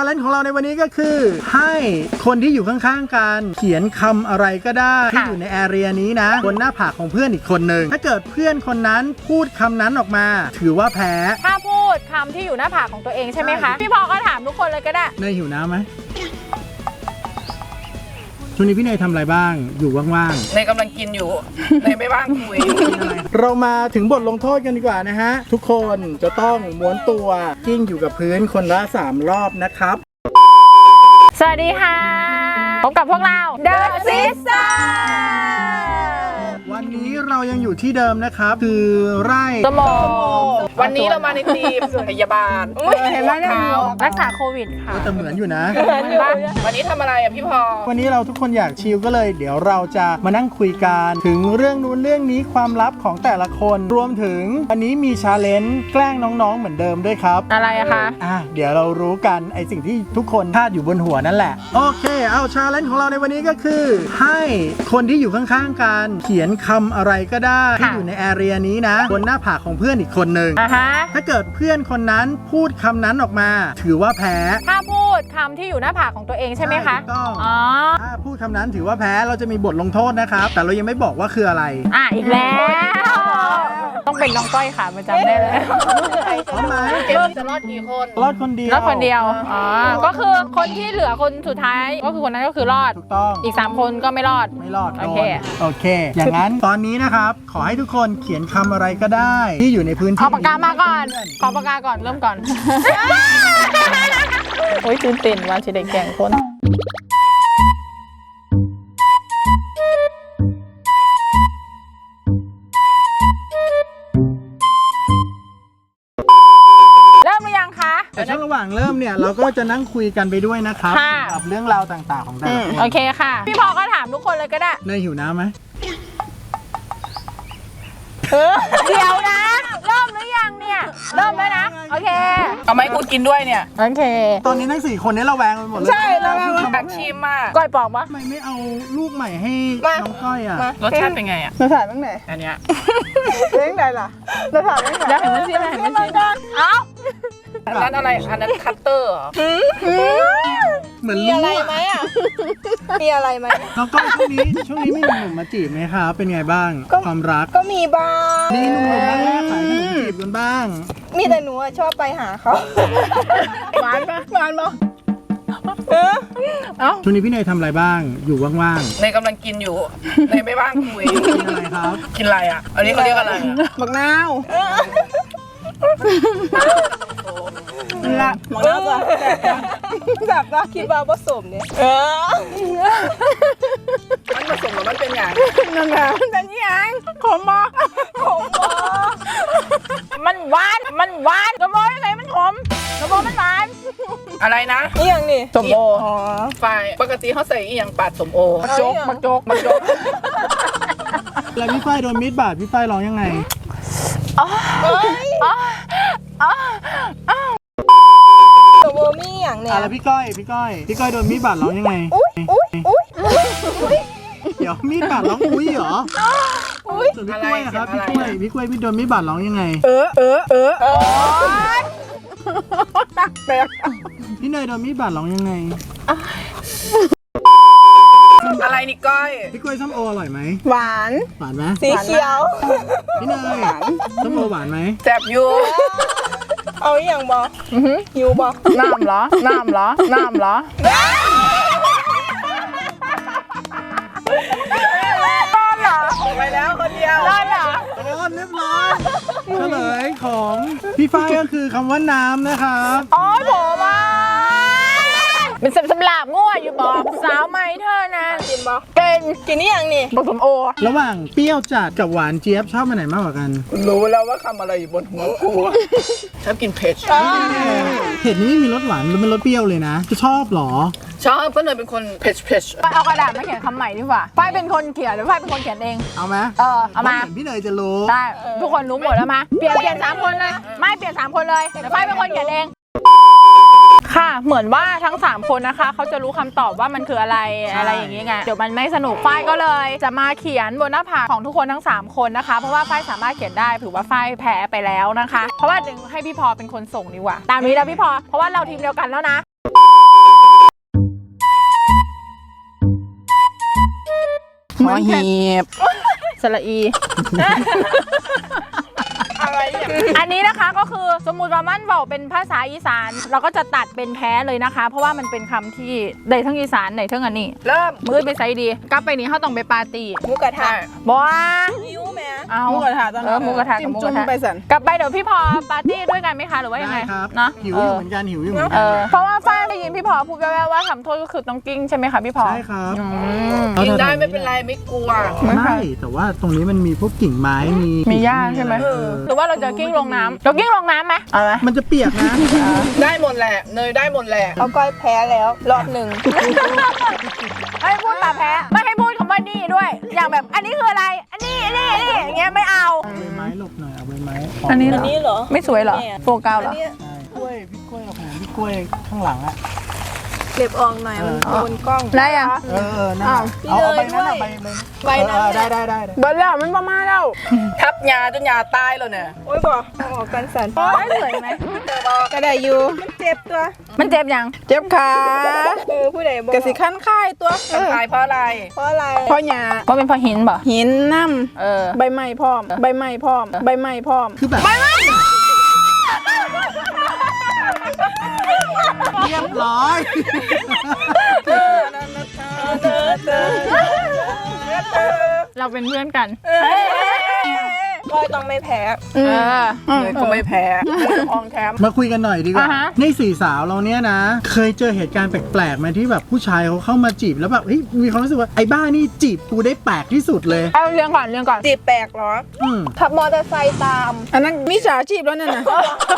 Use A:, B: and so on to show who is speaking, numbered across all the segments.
A: เลนจ์ของเราในวันนี้ก็คือให้คนที่อยู่ข้างๆกันเขียนคำอะไรก็ได้ที่อยู่ในแอเรียนี้นะบนหน้าผากของเพื่อนอีกคนหนึ่งถ้าเกิดเพื่อนคนนั้นพูดคำนั้นออกมาถือว่าแพ้
B: ถ้าพูดคำที่อยู่หน้าผากของตัวเองใช่ไหมคะพี่พอก็ถามทุกคนเลยก็ได้
A: เนยหิวน้ำไหมช่วงนี้พี่เนยทำอะไรบ้างอยู่ว่าง
C: ๆเนยกำลังกินอยู่เนยไม่ว่างคุย
A: เรามาถึงบทลงโทษกันดีกว่านะฮะทุกคนจะต้องม้วนตัวกิ้งอยู่กับพื้นคนละ3 รอบนะครับ
B: สวัสดีค่ะพบกับพวกเรา The Sister
A: วันนี้เรายังอยู่ที่เดิมนะครับคือไร่
B: สมอ
C: วันนี้เรามาในทีมพยาบาล
B: เห็นไหมรักษาโควิดค่ะ
A: แต่เหมือนอยู่นะ
C: วันนี้ทำอะไรอ่ะพี่พอ
A: วันนี้เราทุกคนอยากชิลก็เลยเดี๋ยวเราจะมานั่งคุยกันถึงเรื่องนู้นเรื่องนี้ความลับของแต่ละคนรวมถึงวันนี้มีชาเลนจ์แกล้งน้องๆเหมือนเดิมด้วยครับ
B: อะไรคะ
A: เดี๋ยวเรารู้กันไอสิ่งที่ทุกคนคาดอยู่บนหัวนั่นแหละโอเคเอาชาเลนจ์ของเราในวันนี้ก็คือให้คนที่อยู่ข้างๆกันเขียนคำอะไรก็ได้ที่อยู่ในแอเรียนี้นะบนหน้าผากของเพื่อนอีกคนหนึ่งถ้าเกิดเพื่อนคนนั้นพูดคำนั้นออกมาถือว่าแพ้
B: ถ้าพูดคำที่อยู่หน้าผากของตัวเองใช่ไหมคะ
A: ต้องถ้าพูดคำนั้นถือว่าแพ้เราจะมีบทลงโทษนะครับแต่เรายังไม่บอกว่าคืออะไร
B: อีกแล้วต้องเป็นน้องก้อยค่ะมาจำได้เลย
A: พร้อมไหม
C: เกมจะรอดกี่คน
A: รอดคนเดียว
B: ก็คือคนที่เหลือคนสุดท้ายก็คือคนนั้นก็คือรอด
A: ถูกต้อง
B: อีก3 คนก็ไม่รอด
A: โอเคอย่างนั้นตอนนี้นะครับขอให้ทุกคนเขียนคำอะไรก็ได้ที่อยู่ในพื้นที่
B: เอาปากกามาก่อนขอปากกาก่อนเริ่มก่อนโอ้ยตื่นเต้นว่าจะได้แกล้งคน
A: แต่ช่วงระหว่างเริ่มเนี่ยเราก็จะนั่งคุยกันไปด้วยนะครับกับเรื่องราวต่างๆของแต่ละคน
B: โอเคค่ะพี่พอก็ถามทุกคนเลยก็ได้
A: เนยหิวน้ำไหม
B: เดี๋ยวนะเริ่มหรือยังเนี่ยเริ่มแล้วนะโอเค
C: เอาไหมกูกินด้วยเนี่ย
B: โอเค
A: ตอนนี้ทั้ง4 คนนี้เราแวงไปหมดเลย
C: ใช่เราแวงแบบชิมมาก
B: ก้อยปอกปะ
A: ทำไมไม่เอาลูกใหม่ให้น้องก้อย
C: รสชาติเป็นไง
D: รสชาติเป็นไง
C: อันเนี้ย
D: เลี้ยงไงล่ะรสชาติเป็นไง
B: เดี๋ยวเห็นมันชิมเอ้า
C: อันนั้นอะไรอันนั้นคัตเตอร์
A: เหมือน
D: มีอะไรไหมมีอะไรไหม
A: น้องก้อยช่วงนี้ไม่มีหนุ่มมาจีบไหมครับเป็นไงบ้างความรัก
D: ก็มีบ้าง
A: นี่หนุ่มมาแลกขายขนมจีบกันบ้าง
D: มีแต่หนูชอบไปหาเขา
B: หวานปะ
A: ช่วงนี้พี่เนยทำอะไรบ้างอยู่ว่าง
C: ๆเนยกำลังกินอยู่เนยไม่ว่างคุย
A: กินอะไรครับ
C: กินอะไรอ่ะอันนี้เขาเรียกอะไร
D: บักนาวละหมอแล้วแบบว่าคิดว่าผสมเนี่ย
C: มันผสมกับมันเป็นอย่าง
D: นั่นแหละมันเป็นอย่างขมมอ
B: มันหวานกระโมยังไงมันขมกระโมมันหวาน
C: อะไรนะ
D: นี่อย่างนี่
C: สมโอฝ่ายปกติเขาใส่อีหยังปาดสมโอ
B: มาโจก
A: แล้วพี่ฝ้ายโดนมีดบาดพี่ฝ้ายร้องยังไง
D: สมโอมีอย่างเนี่ย
A: แล้วพี่ก้อยโดนมีดบาดร้องยังไงเดี๋ยวมีดบาดร้องอุ้ยเหรอส่วนพี่กล้วยนะครับพี่กล้วยพี่โดนมีดบาดร้องยังไงพี่เนยโดนมีดบาดร้องยังไง
C: อะไรนี่ก้อย
A: พี่กล้วยส้มโออร่อยไหม
D: หวาน
A: ไหม
D: สีเขียว
A: พี่เนยส้มโอหวานไหม
C: แซ่บอยู่
D: เอาอย่างบอหิวบอ
B: น้ำเหรอ
C: ไปแล้วคนเดียว
B: ได้เหรอ
A: เรียบร้อยเฉลยของพี่ฝ้ายก็คือคำว่าน้ำนะครับ
B: ผมเป็นสำหรับง่วอยู่บอกสาวไหมเธอนะ
D: กินบอ
B: กิน
D: นี่อย่างนี่
B: ผสมโอ
A: ระหว่างเปรี้ยวจัดกับหวานเจี๊ยบชอบอันไหนมากกว่ากัน
C: รู้แล้วว่าคำอะไรอยู่บนหัวกูชอบกินเผ็ด
A: นี่ไม่มีรสหวานมันรสเปรี้ยวเลยนะจะชอบหรอ
C: ชอบก็เลยเป็นคนเผ็ด
B: เอากระดาษมาเขียนคำใหม่ดีกว่าฝ้ายเป็นคนเขียนหรือฝ้ายเป็นคนเขียนเอง
A: เอาไหม
B: เอามา
A: พี่เนยจะรู้
B: ได้ทุกคนรู้หมดแล้วมาเปลี่ยน3 คนเลยไม่เปลี่ยน3 คนเลยแต่ฝ้ายเป็นคนเขียนเองค่ะเหมือนว่าทั้ง3 คนนะคะเขาจะรู้คำตอบว่ามันคืออะไรอย่างนี้ไงเดี๋ยวมันไม่สนุกฝ้ายก็เลยจะมาเขียนบนหน้าผากของทุกคนทั้ง3 คนนะคะเพราะว่าฝ้ายสามารถเขียนได้ถือว่าฝ้ายแพ้ไปแล้วนะคะเพราะว่าให้พี่พอเป็นคนส่งดีกว่าตามนี้แล้วพี่พอเพราะว่าเราทีมเดียวกันแล้วนะ
C: อหีบ
B: สระอี
D: อะไรอย่าง
B: อันนี้นะคะก็คือสมมุติว่ามันบอกเป็นภาษาอีสาน เราก็จะตัดเป็นแพ้เลยนะคะ เพราะว่ามันเป็นคำที่ได้ทั้งอีสานได้ทั้งอันนี้
D: เริ่ม
B: มือไปใส่ดีกลับไปนี้เขาต้องไปปาร์ตี้
D: หมูกระทะ
B: บอกว่า
D: หิวแม่
B: เอา
D: หมูกระทะตอน
B: เออหมูกระทะกับ
D: จิ้ม
B: หมูก
D: จุ่
B: ระ
D: ม
B: ทะ
D: ไปสัน
B: กลับไปเดี๋ยวพี่พอปาร์ตี้ด้วยกันไหมคะหรือว่ายังไง
A: ได้ครับ
B: เนาะ
A: หิวอยู่เหมือนกันหิวอยู่เหมือน
B: เอ
A: กัน
B: อเพราะว่าฝ้ายได้ยินพี่พอพูดแว่วๆว่าทำโทษก็คือต้องกิ้งใช่ไหมคะพี่พอ
A: ใช่ครับ
B: อืม
C: กินได้ไม่เป็นไรไม่กลัว
A: ไม่แต่ว่าตรงนี้มันมีพวกกิ่งไม้มี
B: มีหญ้าใช่ไหม
A: อะไร
B: หรือว่าเราจะกิ้งลงน้ำเรากิ้งลงน้ำไหมเอาไหม
A: มันจะเปียกนะ
C: ได้หมดแหละเนยได้หมดแหละ
D: เอาก้อยแพ้แล้วรอบหนึ่ง
B: ให้พูดตาแพ้ไม่ให้พูดคำว่านี่ด้วย อย่างแบบอันนี้คืออะไร อันนี้อย่างเงี้ยไม่เอา
A: เอาใบไม้หลบหน่อยเอาใบไม้
B: อันนี้
D: อันนี้เหรอ
B: ไม่สวยเหรอโฟกัสเหรอ
D: อันนี้
A: กล้วยพี่กล้วยกับผมพี่กล้วยข้างหลังอ่ะ
D: เก็บออกหน่อยมันโดนกล้อง
B: ได้ยัง
A: นั่นน่ะเอาใบนั้นอะใบนั้น
D: ใบนั้น
A: ได้
B: เบิร์ดแล้วมันประมาณแล้ว
C: ทับยาจนยาตายแล้วเนี่ย
D: โอ้ยบอกเอาออกกันสัน
B: ไม่สวยไหม
D: ก็ได้อยู่มันเจ็บตัว
B: มันเจ็บยัง
D: เจ็บขาผู้ใดบอก
C: กระสิขั้นค่ายตัวตายเพราะอะไร
D: เพราะอะไร
E: เพราะหญ้า
B: เพราะเป็นเพราะหินบ่
E: หินน้
B: เออ
E: ำใบไม้พร้อม ใบไม้พร้อม ใบไม้พร้อม
A: คือแบบเรียบร้อย
B: เราเป็นเพื่อนกัน
D: ก้อยต้องไม่แพ้
B: เออ
C: เนยก็ไม่แพ้อองแคม
A: มาคุยกันหน่อยดีกว่า
B: อ่าฮะ
A: ในสี่สาวเราเนี้ยนะ เคยเจอเหตุการณ์แปลกๆไหมที่แบบผู้ชายเขาเข้ามาจีบแล้วแบบเฮ้ยมีความรู้สึกว่าไอ้บ้านี่จีบกูได้แปลกที่สุดเลย
B: เอาเรื่องก่อนเรื่องก่อน
D: จีบแปลกเหรอ
A: อืม
D: ขับมอเตอร์ไซค์ตาม
E: อันนั้นมิจฉาชีพแล้วนั่นน่ะ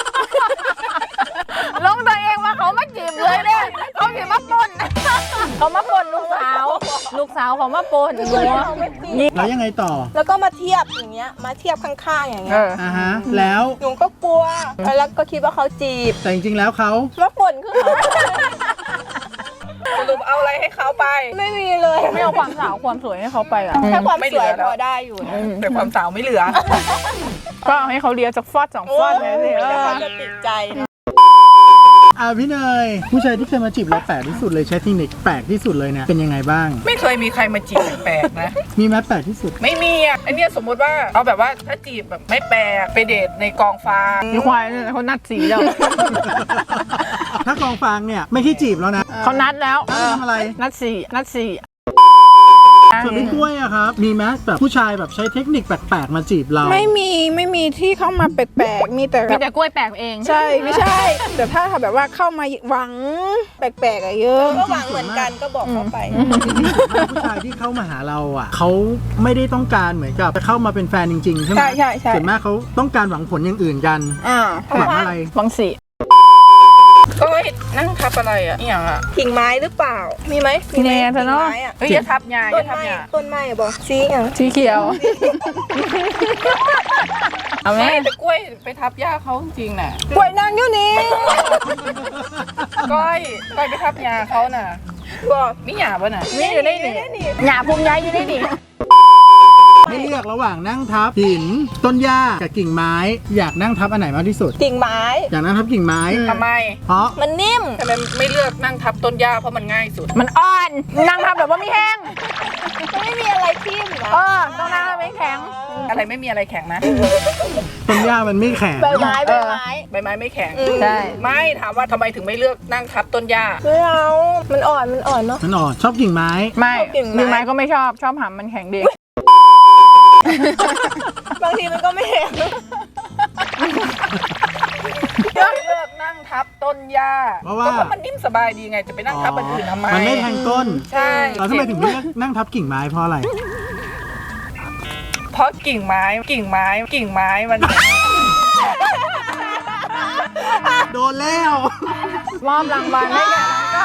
B: ลงตัวเองว่าเขามาจีบเลยเนี่ยเขาจีบมาปนเขามาปนลูกสาวเขามาปนหัว
A: แล้วยังไงต่อ
D: แล้วก็มาเทียบอย่างเงี้ย มาเทียบข้างๆอย่างเงี้ย
A: อ่าฮะ แล้ว
D: หนูก็กลัว แล้วก็คิดว่าเขาจีบ
A: แต่จริงๆแล้วเขา
D: มาป่นคือเขา
C: สรุปเอาอะไรให้เขาไป
D: ไม่มีเลย
B: ไม่เอาความสาวความสวยให้เขาไปอ่ะ
D: แค่ความ
C: ไม่เห
D: ส
C: ลื
D: วย
C: อแล้ว
D: พอได้อยู่นะ
C: แต่ความสาวไม่เหลือ
B: ก็เอาให้เขาเลียจากฟอดสองฟอดเลยสิ
D: เดี๋ยวเขาจะติดใจนะ
A: พี่เนยผู้ชายที่เคยมาจีบเราแปลกที่สุดเลยใช้เทคนิคแปลกที่สุดเลยเนี่ยเป็นยังไงบ้าง
C: ไม่เคยมีใครมาจีบแปลกๆนะ
A: มีไหมแปลกที่สุด
C: ไม่มีอ่ะไอเนี้ยสมมุติว่าเอาแบบว่าถ้าจีบแบบไม่แปลกไปเดทในกองฟาง
B: มีควายเนี่ยเขานัดสีแล้ว
A: ถ้ากองฟางเนี่ยไม่ใช่จีบแล้วนะ
B: เขานัดแล้ว
A: ทำอะไร
B: นัดสี่
A: ส่วนพี่กล้วยอะครับ มีไหมแบบผู้ชายแบบใช้เทคนิคแปลกๆมาจีบเรา
E: ไม่มีที่เข้ามาแปลกๆ มีแต่
B: มีแต่กล้วยแปลกเอง
E: ใช่ไม่ใช่ แต่ถ้าแบบว่าเข้ามาหวังแปลกๆอะเยอะ
D: ก็หวังเหมือนกันก็บอกเขาไป
A: ผู้ชายที่เข้ามาหาเราอ่ะเขาไม่ได้ต้องการเหมือนกับจะเข้ามาเป็นแฟนจริงๆใช่ไหม
E: ใช่
A: ส่วนมากเขาต้องการหวังผลอย่างอื่นกัน
E: อ่า
A: หวังอะไร
B: บางสี
C: ก็นั่งทับอะไรอ่ะนี่อย่างอ่ะ
D: กิ่งไม้หรือเปล่า มีไหมมีไหม
B: เนี่ยเธอเนาะ
D: กิ่งไม้อะ
C: เฮ้ยอย่าทับยาอ
D: ต้
C: ย่าน ทับ
D: ไม้
C: ยา
D: ต้นไม้อะบอกซีอย่าง
B: สีเขียว เอาไหม
C: ไม่แต่กล้วยไปทับยาเขาจริงๆน่ะ
E: ป่วยนางอยู่นี่
C: ก้อยไปทับยาเขาน่ะ
D: บอก
C: มีหยาป่ะน่ะ
B: นี่อยู่ได้หนิหยาภูมิย้ายอยู่ได้หนิ
A: ให้เลือกระหว่างนั่งทับหินต้นหญ้ากับกิ่งไม้ อยากนั่งทับอันไหนมากที่สุด
D: กิ่งไม้
A: อยากนั่งทับกิ่งไม้
C: ทำไม
A: เพราะ
D: มันนิ่ม
C: ทำไมไม่เลือกนั่งทับต้นหญ้าเพราะมันง่ายสุด
B: มันอ่อนนางทำแบบว่าไม่แห้ง
D: มันไม่มีอะไรทิ่มนะ
B: ต้องนางทำไม่แข็ง
C: อะไรไม่มีอะไรแข็งนะ
A: ต้นหญ้ามันไม่แข็ง
D: ใบไม้ใบไม้
C: ใบไม้ไม่แข็ง
B: ใช่
C: ไม่ถามว่าทำไมถึงไม่เลือกนั่งทับต้นหญ้า
D: ไม่เอามันอ่อนเนาะ
A: มันอ่อนชอบกิ่งไม้
B: ไม่
D: กิ่งไม้
B: กิ่งไม้ก็ไม่ชอบหำมันแข็งดี
D: บางทีมันก็ไม่แห้ง
C: เลือกนั่งทับต้นหญ้า
A: เพราะว่า
C: ก็มันนิ่มสบายดีไงจะไปนั่งทับอันอื่นทำไม
A: มันไม่แทงก้น
C: ใช่
A: เราทำไมถึงไม่เลือกนั่งทับกิ่งไม้เพราะอะไร
C: เพราะกิ่งไม้มัน
A: โดนแล้ว
B: มอบรางวัลให้แก่น้องก้อย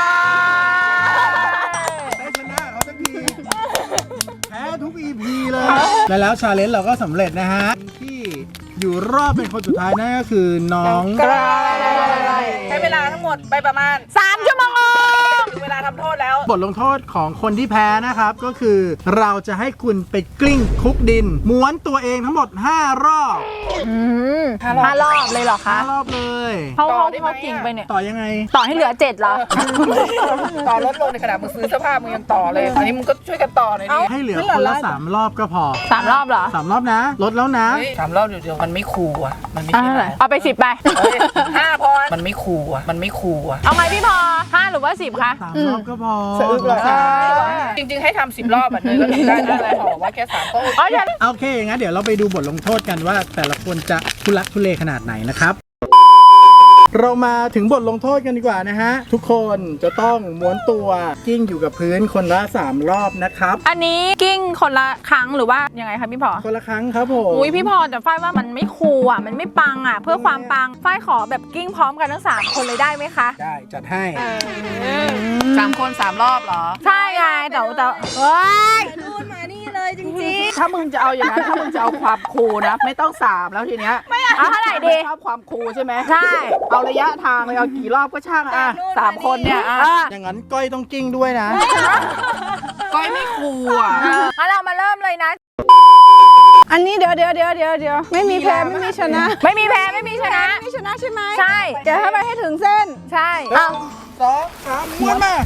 A: ได้ชนะเขาสักทีแพ้ทุก EP เลย แล้วชาเลนจ์เราก็สำเร็จนะฮะ ที่อยู่รอบเป็นคนสุดท้ายนั่นก็คือน้อง
C: ใช้เวลาทั้งหมดไปประมาณ
B: 3 ชั่วโมง
C: ถึงเวลาทำโทษแล้ว
A: บทลงโทษของคนที่แพ้นะครับก็คือเราจะให้คุณไปกลิ้งคลุกดิน ม้วนตัวเองทั้งหมด5 รอบ
B: 5 รอบเลยเหรอคะ
A: 5 รอบเลย
B: เขาจริงไปเนี่ย
A: ต่อยังไง
B: ต่อให้เหลือ 7เหรอ
C: ต่อลดลงในขณะมึงซื้อเสื้อผ้ามึงยังต่อเลย อันนี้มึงก็ช่วยกันต่อหน่อยดิ
A: ให้เหลือคนละ3 รอบก็พอ
B: 3 รอบเหรอ
A: 3 รอบนะลดแล้วนะ
C: เฮ้ย3 รอบเดี๋ยวมันไม่คูลอ่ะ มันไม่
B: อ่ะ
C: ใช่
B: เท่า
C: อะไร
B: ไหร่เอาไป 10 ไป
C: เฮ้ย5พอมันไม่คูลอ่ะ มันไม่คูลอ่ะ
B: เอาไงพี่พอ 5 หรือว่า 10 คะ
A: 3 รอบก็พอ
E: สะอึกเหรอ
C: จริงๆให้ทำ10 รอบอ่ะเนยก็ทำได้นะอะไรบอกว่าแค่3ก็โอเค
B: อ๋ออย่า
A: โอเคงั้นเดี๋ยวเราไปดูบทลงโทษกันว่า แต่ละคนจะทุลักทุเลขนาดไหนนะครับ เรามาถึงบทลงโทษกันดีกว่านะฮะทุกคนจะต้องม้วนตัวกิ้งอยู่กับพื้นคนละ3 รอบนะครับ
B: อันนี้กิ้งคนละครั้งหรือว่ายังไงคะพี่พอ
A: คนละครั้งครับผม
B: อุ้ยพี่พอแต่ฝ้ายว่ามันไม่คูลอ่ะมันไม่ปังอ่ะเพื่อความปังฝ้ายขอแบบกิ้งพร้อมกันทั้ง3 คนเลยได้ไหมคะ
A: ได้จัดให้
C: 3 คน3 รอบเหรอ
B: ใช่ไงแต่ว้าย
E: ดูนมานี่เลยจริง
D: ถ้ามึงจะเอาอย่างนั้นถ้ามึงจะเอาความคูลนะ ไม่ต้อง3แล้วทีเนี้ย
B: เอาเท่าไหร่ดี
D: ชอบความคูลใช่ไหม
B: ใช่
D: เอาระยะทางเลยเอากี่รอบก็ช่างอ่ะ3 คนเนี่ยอ่ะ
A: อย่างนั้นก้อยต้องกิ้งด้วยนะ
C: ก้อยไม่คูลอ่ะ
B: งั้นเรามาเริ่มเลยนะ
E: ๆ อันนี้เดี๋ยวไม่มีแพ้ไม่มีชนะ
B: ไม่มีแพ้ไม่มีชนะ
E: ไม่มีชนะใช่ไหม
B: ใช่
E: เดี๋ยวให้ไปให้ถึงเส้น
B: ใช่เอา
A: 2 3ม้วนมา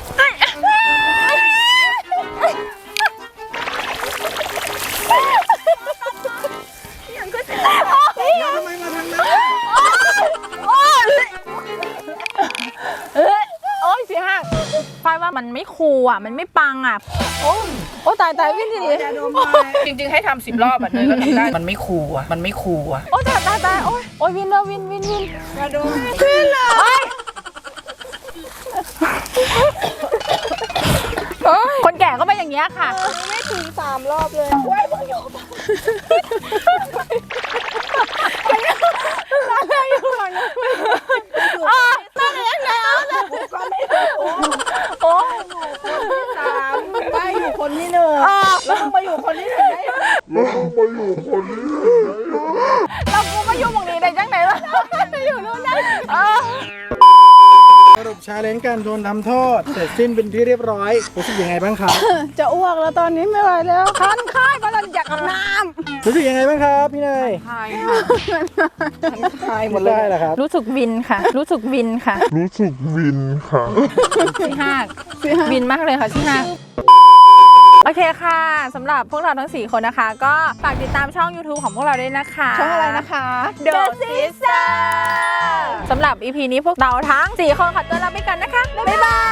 A: ทำไมมาทางนั้น
B: โอ้ยสิหักฝ้ายว่ามันไม่คูลอ่ะมันไม่ปังอ่ะ
E: โอ้ตายวิ่งดี
C: จริงๆให้ทำ10 รอบอ่ะเนยก็ทำได้ มันไม่คูลอ่ะ มันไม่คูลอ่ะ
B: โอ้ยตายโอ้ยวินเลยวิน
E: มาดู
B: คนแก่ก็เป็นอย่างเงี้ยค่ะ
E: ไม่ถึง3 รอบเลย
B: โอ้ย
E: 3ได้อยู่คนที่1แล้วมึงมาอยู่คนที่1ได้
B: เรากูมาอยู่หมองนี้ได้จังไหนล่ะอยู่นู่นนะ
A: สรุปชาเลนจ์การโดนทำโทษเสร็จสิ้นเป็นที่เรียบร้อยรู้สึกยังไงบ้างครับ
E: จะอ้วกแล้วตอนนี้ไม่ไหวแล้วคันค่ายเพราะเราอยากอาบน้
A: รู้สึกยังไงบ้างครับพี่เนย
C: ใช่ค่ะ
A: ทายหมดเลยเหรอครับ
B: รู้สึกวินค่ะ รู้สึกวินค่ะที่ห้าวินมากเลยค่ะที่ห้าโอเคค่ะสำหรับพวกเราทั้ง4 คนนะคะ ก็ฝากติดตามช่อง YouTube ของพวกเราด้วยนะคะ
E: ำช่องอะไรนะคะ
B: The Sister สำหรับ EP นี้พวกเราทั้ง 4 คนขอตัวลาไปกันนะคะ บ๊ายบาย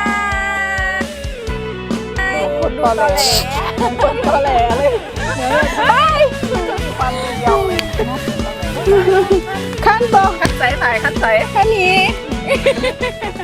E: คนตอแหลคนตอแหลเลยขั้นตอน
C: คัดใส่ถ่ายคัดใส่
E: แค่นี้